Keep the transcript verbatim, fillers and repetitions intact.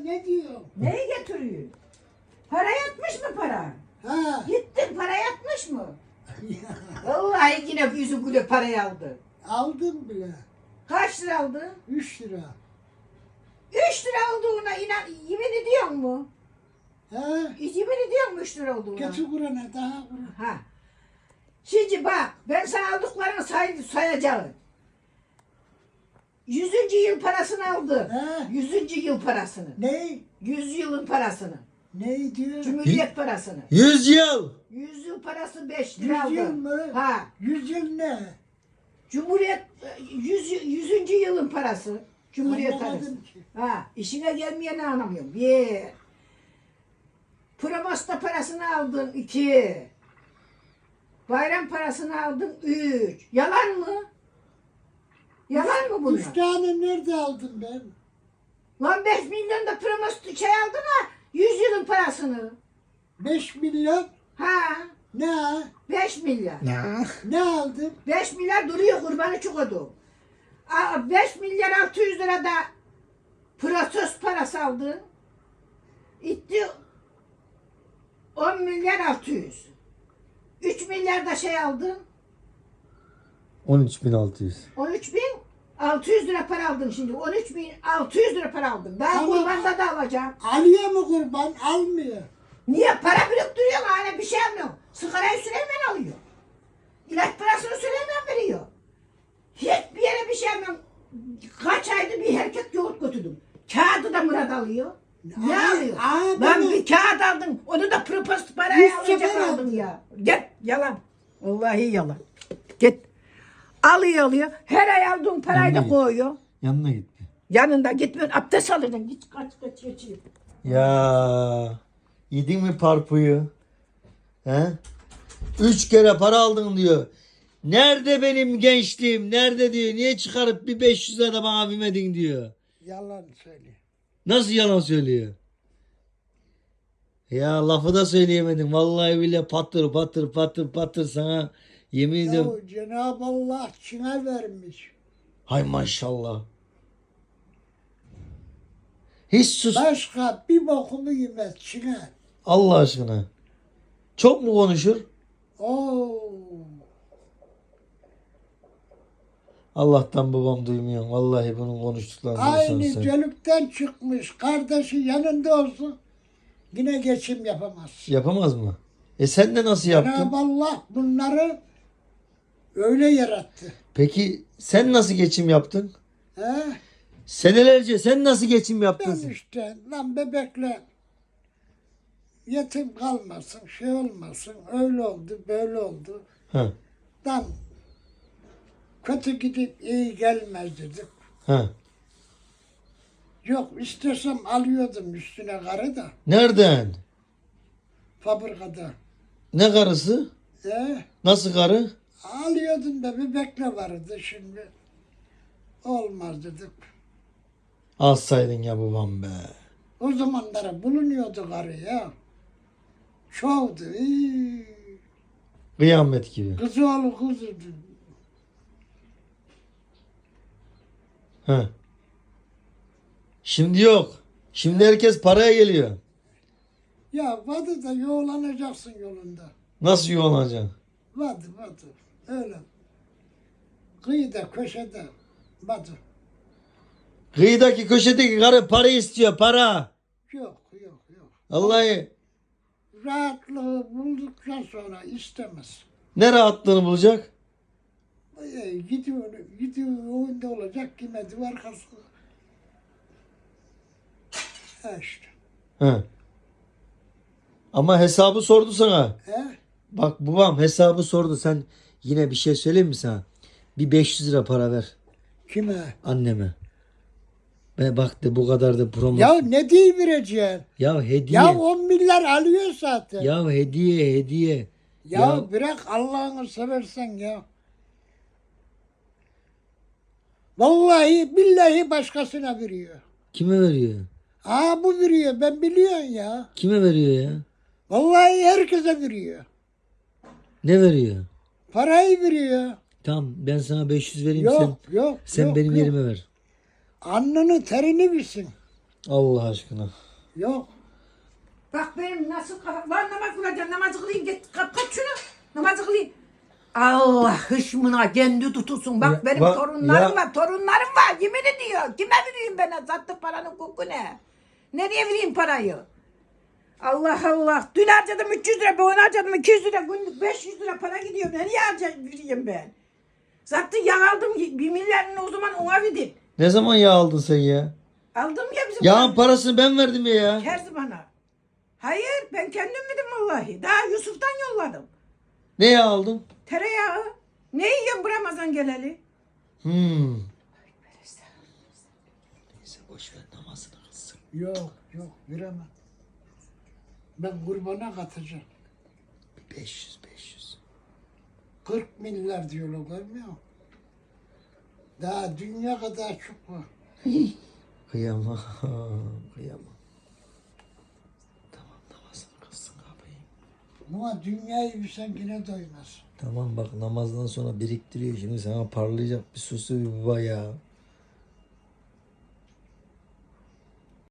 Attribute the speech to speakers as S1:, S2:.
S1: ne diyor?
S2: Neyi getiriyor? Para yatmış mı para?
S1: Ha.
S2: Gittin para yatmış mı? Vallahi yine yüzü gülü parayı aldı.
S1: Aldım bile.
S2: Kaç lira aldı?
S1: Üç lira.
S2: Üç lira olduğuna inan, yemin ediyor mu?
S1: Ha.
S2: Yemin ediyor mu üç lira olduğuna?
S1: Getir burana daha burana.
S2: Ha. Şimdi bak, ben sana aldıklarını say, sayacağım. Yüzüncü yıl parasını aldı.
S1: Ha.
S2: Yüzüncü yıl parasını.
S1: Ne?
S2: Yüz yılın parasını.
S1: Ne diyor?
S2: Cumhuriyet parasını.
S3: Yüz yıl.
S2: Yüz yıl parası beş lira aldı.
S1: Yüz yıl mı?
S2: Ha.
S1: Yüz yıl ne?
S2: Cumhuriyet yüz, yüzüncü yılın parası. Cumhuriyet
S1: Anlamadım
S2: parası.
S1: ki.
S2: Ha. İşine gelmeyeni anlamıyorum. Bir. Promosta parasını aldın. iki. Bayram parasını aldın. Üç. Yalan mı? Yalan mı bunlar?
S1: Üç tane nerede aldım ben?
S2: Lan beş milyon da promosta şey aldın ha. Yüz yılın parasını.
S1: Beş milyon.
S2: Ha.
S1: Ne?
S2: Beş milyar.
S3: Ne?
S1: Ne aldım?
S2: Beş milyar duruyor kurbanı çıkodu. Beş milyar altı yüz lira da proses parası aldın. İtti on milyar altı yüz. Üç milyar da şey aldın.
S3: On üç bin altı yüz.
S2: On üç bin altı yüz lira para aldın şimdi. On üç bin altı yüz lira para aldın. Daha
S1: Tamam.
S2: kurbanda da alacağım.
S1: Alıyor mu kurban? Almıyor.
S2: Niye? Para biriktiriyor mu? Hala bir şey almıyor. Sigarayı Süleyman alıyor. İlaç parasını Süleyman veriyor. Hiçbir yere bir şey almıyorum. Kaç aydır bir erkek yoğurt götürdüm. Kağıdı da Murat alıyor. Ne
S1: Aa,
S2: alıyor?
S1: aa,
S2: Lan
S1: bunu-
S2: bir kağıt aldın. Onu da propost paraya
S1: Yüz
S2: alacak
S1: sefer
S2: aldın
S1: aldın.
S2: ya. Git yalan. Vallahi yalan. Git. Alıyor alıyor. Her ay aldığın parayı da
S3: Yanına git.
S2: koyuyor.
S3: Yanına git.
S2: Yanında gitmiyorsun. Abdest alırdın. Git kaç kaç geçiyor.
S3: Ya yedin mi parpuyu? He? Üç kere para aldın diyor. Nerede benim gençliğim? Nerede diyor. Niye çıkarıp bir beş yüz lira da bana vermedin diyor.
S1: Yalan söylüyor.
S3: Nasıl yalan söylüyor? Ya lafı da söyleyemedim. Vallahi bile patır patır patır patır sana yemin ediyorum.
S1: Ya Cenab-ı Allah Çin'e vermiş.
S3: Hay maşallah. Hiç sus.
S1: Başka bir bokumu yemez Çin'e.
S3: Allah aşkına. Çok mu konuşur?
S1: Oo.
S3: Allah'tan babam duymuyor. Vallahi bunun konuştuklarını
S1: Aynı
S3: duysan sen.
S1: cölükten çıkmış. Kardeşi yanında olsun. Yine geçim yapamaz.
S3: Yapamaz mı? E sen de nasıl yaptın?
S1: Cenab-ı Allah bunları öyle yarattı.
S3: Peki sen nasıl geçim yaptın?
S1: He?
S3: Senelerce sen nasıl geçim yaptın?
S1: Ben
S3: sen?
S1: işte lan bebekle yetim kalmasın, şey olmasın, öyle oldu, böyle oldu.
S3: Ha,
S1: Lan kötü gidip iyi gelmez dedik.
S3: ha.
S1: Yok istesem alıyordum üstüne karı da
S3: Nereden?
S1: fabrikada.
S3: Ne karısı?
S1: E,
S3: Nasıl karı?
S1: alıyordum da bebekle vardı şimdi. Olmaz dedik.
S3: Alsaydın ya babam be.
S1: O zamanlara bulunuyordu karı ya. Çoğdu. İyi.
S3: Kıyamet gibi.
S1: Kızı oğlu kızıydı.
S3: Ha. Şimdi yok. Şimdi herkes paraya geliyor.
S1: Ya vadı da yoğlanacaksın yolunda.
S3: Nasıl yuvalanacaksın?
S1: Vadı vadı. Öyle. Kıyıda köşede vadı.
S3: Kıyıdaki köşedeki karı para istiyor para.
S1: Yok yok yok.
S3: Vallahi
S1: Rahatlığı bulduktan sonra istemez.
S3: ne rahatlığını bulacak?
S1: E, gidiyor, gidiyor önünde olacak kime arkası. Ha işte.
S3: Ha. Ama hesabı sordu sana.
S1: He?
S3: Bak babam hesabı sordu. Sen yine bir şey söyleyeyim mi sana? Bir beş yüz lira para ver
S1: Kime?
S3: anneme. Ve bak de bu kadar da promo.
S1: Ya ne diye vereceksin?
S3: Ya hediye.
S1: Ya on milyar alıyor zaten. Ya,
S3: Ya hediye hediye. ya-
S1: bırak Allah'ını seversen ya. Vallahi billahi başkasına veriyor.
S3: Kime veriyor?
S1: Aa bu veriyor ben biliyorum ya.
S3: Kime veriyor ya?
S1: Vallahi herkese veriyor.
S3: Ne veriyor?
S1: Parayı veriyor.
S3: Tamam ben sana beş yüz vereyim
S1: Yok
S3: sen.
S1: yok.
S3: Sen
S1: yok,
S3: benim
S1: yok.
S3: yerime ver.
S1: Alnını terini bilsin.
S3: Allah aşkına.
S1: Yok.
S2: Bak benim nasıl kafam. Lan namaz kılacağım. Namazı kılayım. Git kap kaç şunu. Namazı kılayım. Allah hışmına kendi tutulsun. Bak
S3: Ya,
S2: benim
S3: bak,
S2: torunlarım
S3: ya.
S2: var. Torunlarım var. Yemin ediyor. Kime vereyim ben? Sattı paranın koku ne? Nereye vereyim parayı? Allah Allah. Dün harcadım üç yüz lira. Ben harcadım iki yüz lira. Günlük beş yüz lira para gidiyor. Nereye harcayayım ben? Zaten yağ aldım. Bir milyarını o zaman ona verdim.
S3: Ne zaman yağ aldın sen ya?
S2: Aldım ya bizim.
S3: Yağın parasını ben verdim ya ya.
S2: Kerzi bana. Hayır ben kendim verdim vallahi. Daha Yusuf'tan yolladım.
S3: Ne yağ aldın?
S2: Tereyağı. Ne yiyorsun bu Ramazan geleli?
S3: Hmm. Neyse boş ver namazını kılsın.
S1: Yok yok veremem. Ben kurbana katacağım.
S3: Bir beş yüz beş yüz.
S1: kırk milyar diyorlar görmüyor musun? Daha dünya kadar çok var.
S3: Kıyamam. Kıyamam. Tamam namazını kılsın abi.
S1: Ama dünyayı bilsen yine doymaz.
S3: Tamam bak namazdan sonra biriktiriyor şimdi sana parlayacak bir sosu bir baba ya.